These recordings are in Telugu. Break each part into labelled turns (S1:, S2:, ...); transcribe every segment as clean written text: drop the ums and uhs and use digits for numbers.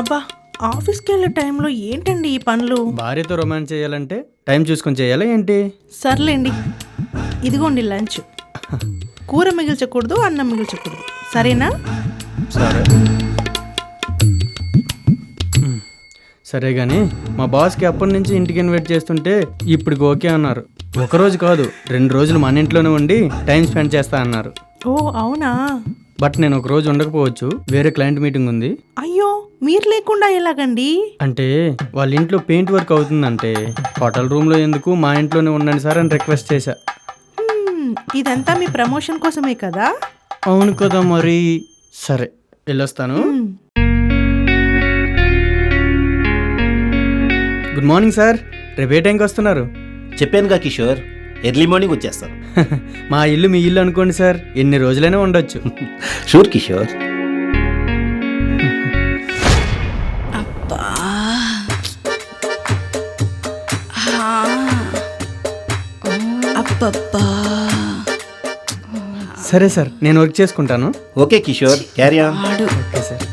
S1: అబ్బా, ఆఫీస్కి వెళ్ళే టైంలో ఏంటండి ఈ పనులు?
S2: భార్యతో రొమాన్స్ చేయాలంటే టైం చూసుకొని చేయాలా ఏంటి?
S1: సర్లేండి, ఇదిగోండి లంచ్. కూర మిగిల్చకూడదు, అన్నం మిగిల్చకూడదు, సరేనా?
S2: సరే సరే కానీ మా బాస్కి అప్పటి నుంచి ఇంటికి ఇన్వైట్ చేస్తుంటే ఇప్పటికి ఓకే అన్నారు. ఒకరోజు కాదు 2 రోజులు మన ఇంట్లోనే ఉండి టైం స్పెండ్ చేస్తా అన్నారు.
S1: ఓ అవునా?
S2: బట్ నేను ఒక రోజు ఉండకపోవచ్చు, వేరే క్లయింట్ మీటింగ్ ఉంది.
S1: అయ్యో, మీరు లేకుండా ఎలాగండి?
S2: అంటే వాళ్ళ ఇంట్లో పెయింట్ వర్క్ అవుతుందంటే హోటల్ రూమ్లో ఎందుకు మా ఇంట్లోనే ఉండండి సార్ అని రిక్వెస్ట్ చేశా.
S1: ఇదంతా మీ ప్రమోషన్ కోసమే కదా?
S2: అవును కదా మరి. సరే వెళ్ళొస్తాను. Good morning sir. రేపు ఏ టైంకి వస్తున్నారు?
S3: చెప్పానుగా కిషోర్, ఎర్లీ మార్నింగ్ వచ్చేస్తాను.
S2: మా ఇల్లు మీ ఇల్లు అనుకోండి సార్, ఎన్ని రోజులైనా ఉండొచ్చు.
S3: షూర్ కిషోర్.
S2: సరే సార్, నేను వర్క్ చేసుకుంటాను.
S3: Okay Kishore, carry on.
S2: Okay sir.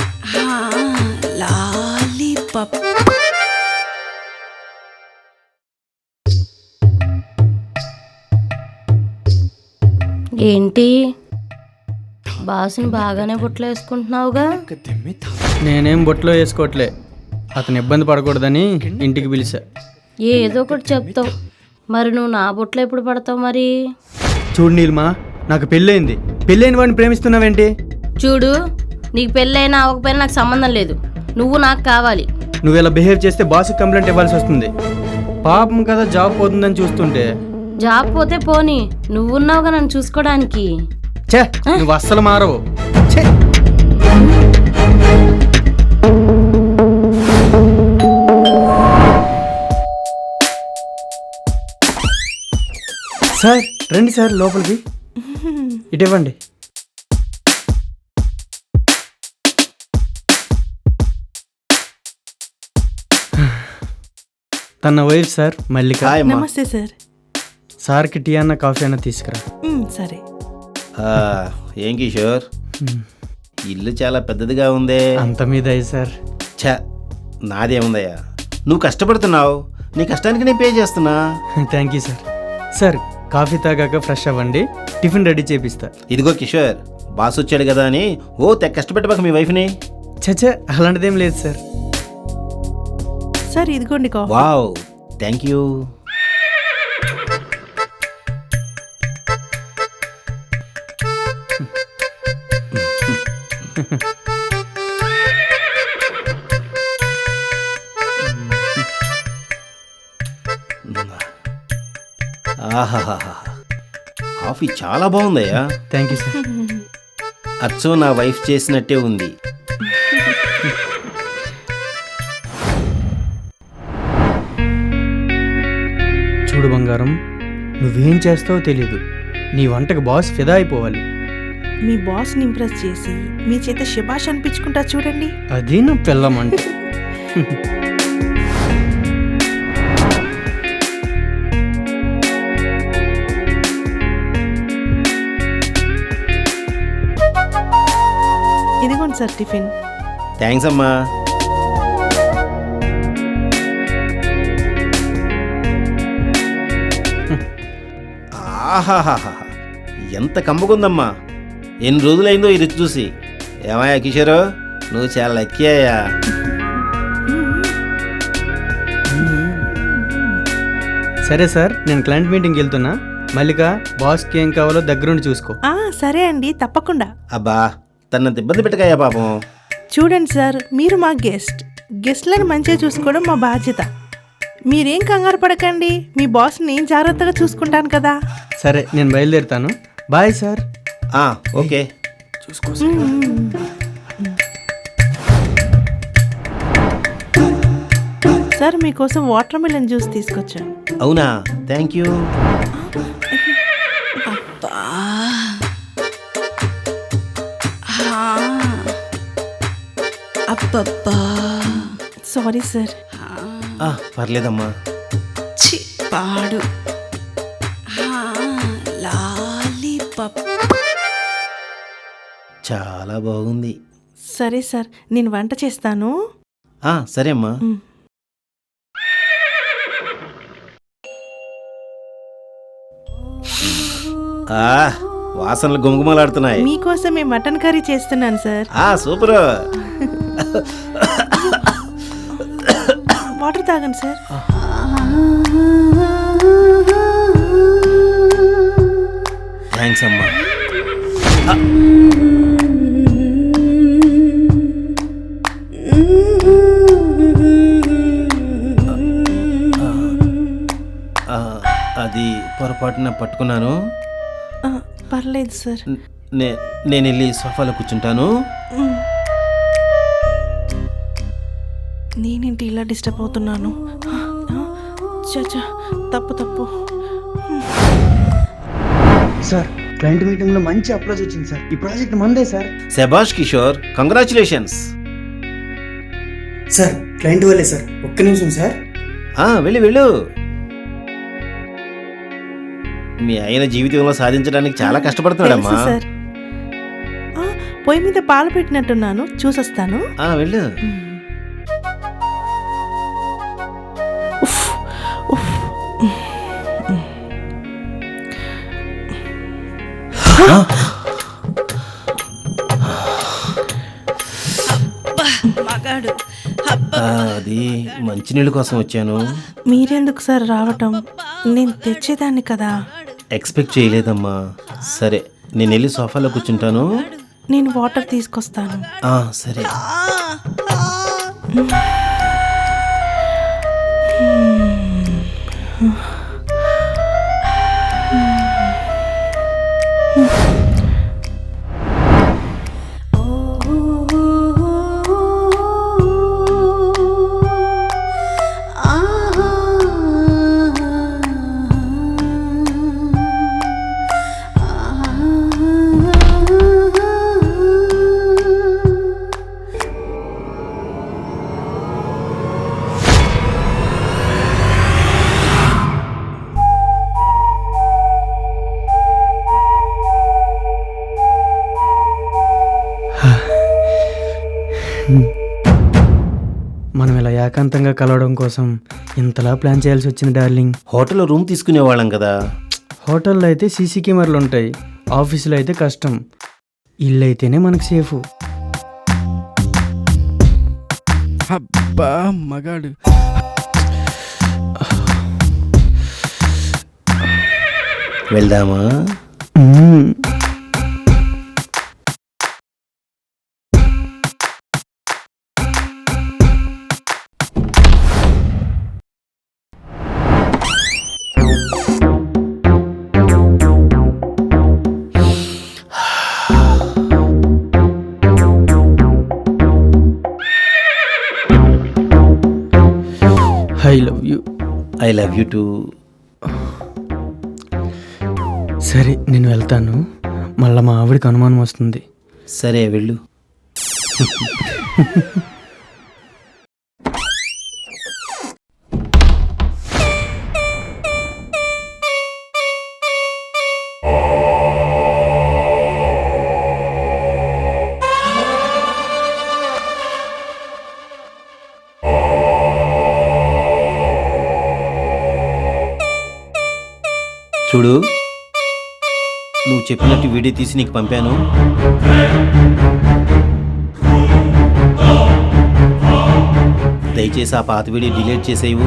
S4: ఏంటి బాసుని బాగానే బుట్టలు వేసుకుంటున్నావుగా?
S2: నేనేం బొట్లో వేసుకోవట్లే, అతను ఇబ్బంది పడకూడదని ఇంటికి పిలిచా.
S4: ఏదో ఒకటి చెప్తావు, మరి నువ్వు నా బుట్టలు ఎప్పుడు పడతావు మరి?
S2: చూడు నీలిమా, నాకు పెళ్ళయింది. పెళ్ళైన వాడిని ప్రేమిస్తున్నావేంటి?
S4: చూడు, నీకు పెళ్ళైనా అవ్వకపోయినా నాకు సంబంధం లేదు, నువ్వు నాకు కావాలి.
S2: నువ్వు ఇలా బిహేవ్ చేస్తే బాస్కి కంప్లైంట్ ఇవ్వాల్సి వస్తుంది. పాపం కదా, జాబ్ పోతుందని చూస్తుంటే.
S4: జాబ్ పోతే పోనీ, నువ్వున్నావుగా నన్ను చూసుకోవడానికి.
S2: ఛే, నువ్వు అస్సలు మారవు. ఛే. సార్ రండి సార్, లోపలికి ఇటు ఇవ్వండి. తన వైఫ్ సార్ మల్లిక.
S3: హాయ్ అమ్మా.
S1: నమస్తే సార్.
S2: సార్కి టీ అన్న కాఫీ అన్న తీసుకురా.
S1: సరే.
S3: ఏం కిషోర్, ఇల్లు చాలా పెద్దదిగా ఉందే.
S2: అంత మీద అయ్యి సార్.
S3: ఛా, నాదేముందయ్యా, నువ్వు కష్టపడుతున్నావు, నీ కష్టానికి నేను పే చేస్తున్నా.
S2: Thank you sir. Sir coffee తాగాక ఫ్రెష్ అవ్వండి, టిఫిన్ రెడీ చేపిస్తా.
S3: ఇదిగో కిషోర్, బాస్ వచ్చాడు కదా అని తెగ కష్టపెట్టబాక మీ వైఫ్ని.
S2: చచ్చా, అలాంటిదేం లేదు సార్.
S1: సార్ ఇదిగోండి కాఫీ.
S3: Wow, thank you. ఆహాహా, కాఫీ చాలా బాగుందయ్యా.
S2: Thank you sir.
S3: అచ్చో నా వైఫ్ చేసినట్టే ఉంది.
S2: చూడు బంగారం, నువ్వేం చేస్తావో తెలీదు, నీ వంటకు బాస్ ఫిదా అయిపోవాలి.
S1: మీ బాస్ని ఇంప్రెస్ చేసి మీ చేత శబాష్ అనిపించుకుంటా చూడండి.
S2: అది నా పిల్లమంటే.
S1: ఇదిగోండి సార్ టిఫిన్.
S3: థ్యాంక్స్ అమ్మా. ఆహాహాహా, ఎంత కమ్మగుందమ్మా. ఎన్ని రోజులైందో ఈ రుచి చూసి. ఏమయ్యా కిషోరు, నువ్వు చాలా లక్కీ అయ్యా.
S2: సరే సార్, నేను క్లయింట్ మీటింగ్కి వెళ్తున్నా. మల్లిక, బాస్కి ఏం కావాలో దగ్గరుండి చూసుకో.
S1: సరే అండి, తప్పకుండా.
S3: అబ్బా, తనంత ఇబ్బంది పెట్టకయ్యా పాపం.
S1: చూడండి సార్, మీరు మా గెస్ట్లను మంచిగా చూసుకోవడం మా బాధ్యత. మీరేం కంగారు పడకండి, మీ బాస్ని జాగ్రత్తగా చూసుకుంటాను కదా.
S2: సరే, నేను బయలుదేరుతాను. Bye sir.
S3: ఓకే.
S2: చూసుకో.
S1: సార్ మీకోసం వాటర్ మిలన్ జ్యూస్ తీసుకొచ్చాను.
S3: అవునా, థ్యాంక్ యూ.
S1: అబ్బబ్బా, సారీ సార్.
S3: పర్లేదమ్మా.
S1: పాడు లాలీపాప్.
S3: చాలా బాగుంది.
S1: సరే సార్, నేను వంట చేస్తాను.
S3: సరే అమ్మా.
S1: మ్.
S3: వాసనలు గుమగుమలాడుతున్నాయి.
S1: మీకోసమే మటన్ కర్రీ చేస్తున్నాను సార్.
S3: సూపర్.
S1: వాటర్ తాగండి సార్.
S3: థ్యాంక్స్ అమ్మా. అది పొరపాటున పట్టుకున్నాను.
S1: పర్లేదు సార్.
S3: నేను వెళ్ళి సోఫాలో కూర్చుంటాను.
S1: నేనేంటి ఇలా డిస్టర్బ్ అవుతున్నాను? చచ్చా, తప్పు.
S5: సార్, క్లయింట్ మీటింగ్ లో మంచి అప్రోచ్ వచ్చింది సార్. ఈ ప్రాజెక్ట్ మందే సార్.
S3: శభాష్ కిషోర్, కంగ్రాచులేషన్స్.
S5: సార్, క్లయింట్ వాళ్ళే సార్. ఒక్క నిమిషం సార్.
S3: వెళ్ళు. మీ ఆయన జీవితంలో సాధించడానికి చాలా కష్టపడుతున్నాడమ్మా.
S1: తెలుసు సార్. పొయ్యి మీద పాలు పెట్టినట్టున్నాను, చూసొస్తాను.
S3: వెళ్ళు.
S1: మగాడు.
S3: అది మంచినీళ్ళ కోసం వచ్చాను.
S1: మీరెందుకు సార్ రావటం? నేను తెచ్చేదాన్ని కదా.
S3: ఎక్స్పెక్ట్ చేయలేదమ్మా. సరే, నేను వెళ్ళి సోఫాలో కూర్చుంటాను.
S1: నేను వాటర్ తీసుకొస్తాను.
S3: సరే.
S2: మనం ఇలా ఏకాంతంగా కలవడం కోసం ఇంతలా ప్లాన్ చేయాల్సి వచ్చింది డార్లింగ్.
S3: హోటల్లో రూమ్ తీసుకునేవాళ్ళం కదా.
S2: హోటల్లో అయితే సీసీ కెమెరాలు ఉంటాయి, ఆఫీసులో అయితే కష్టం, ఇల్లు అయితేనే మనకు సేఫ్.
S6: అబ్బా మగాడు.
S3: వెళ్దామా?
S2: I love you.
S3: I love you too.
S2: సరే, నేను వెళ్తాను. మళ్ళీ మా ఆవిడికి అనుమానం వస్తుంది.
S3: సరే, వెళ్ళు. చూడు, నువ్వు చెప్పినట్టు వీడియో తీసి నీకు పంపాను. దయచేసి ఆ పాత వీడియో డిలీట్ చేసేవు.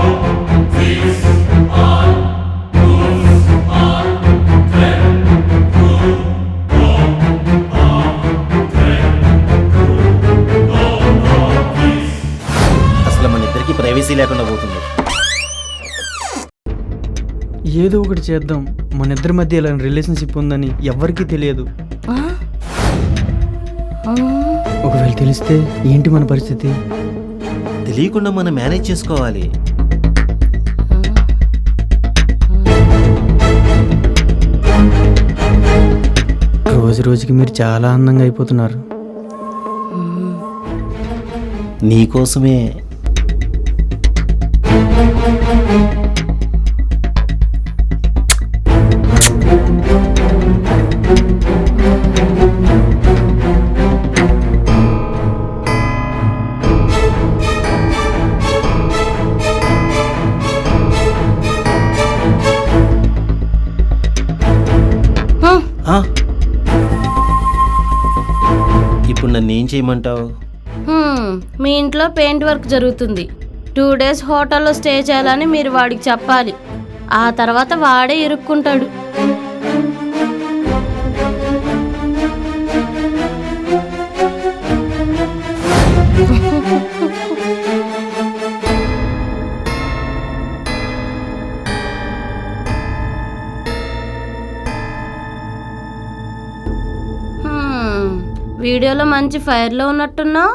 S3: అసలు మన ఇద్దరికి ప్రైవసీ లేకుండా పోతుంది.
S2: ఏదో ఒకటి చేద్దాం. మన ఇద్దరి మధ్య ఇలా రిలేషన్షిప్ ఉందని ఎవ్వరికీ తెలియదు. ఒకవేళ తెలిస్తే ఏంటి మన పరిస్థితి?
S3: తెలియకుండా మనం మేనేజ్ చేసుకోవాలి.
S2: రోజు రోజుకి మీరు చాలా అందంగా అయిపోతున్నారు.
S3: నీకోసమే. ఆ? ఇప్పుడు నన్ను ఏం చేయమంటావు?
S4: మీ ఇంట్లో పెయింట్ వర్క్ జరుగుతుంది. 2 days హోటల్లో స్టే చేయాలని మీరు వాడికి చెప్పాలి. ఆ తర్వాత వాడే ఇరుక్కుంటాడు. వీడియోలో మంచి ఫైర్లో ఉన్నట్టున్నావు.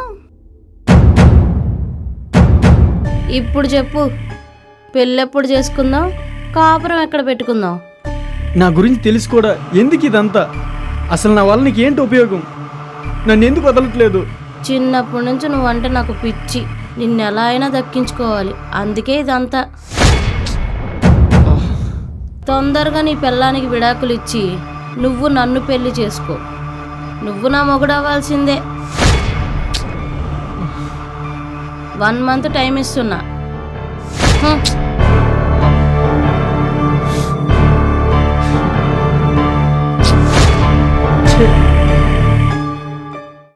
S4: ఇప్పుడు చెప్పు, పెళ్ళెప్పుడు చేసుకుందాం, కాపురం ఎక్కడ పెట్టుకుందాం?
S2: నా గురించి తెలిసి కూడా ఎందుకు ఇదంతా? అసలు నా వల్ల నీకు ఏంటి ఉపయోగం? నన్ను ఎందుకు వదలట్లేదు?
S4: చిన్నప్పటి నుంచి నువ్వంటే నాకు పిచ్చి. నిన్ను ఎలా అయినా దక్కించుకోవాలి, అందుకే ఇదంతా. తొందరగా నీ పెళ్ళానికి విడాకులు ఇచ్చి నువ్వు నన్ను పెళ్లి చేసుకో. నువ్వు నా మొగుడు అవ్వాల్సిందే. 1 month టైం ఇస్తున్నా.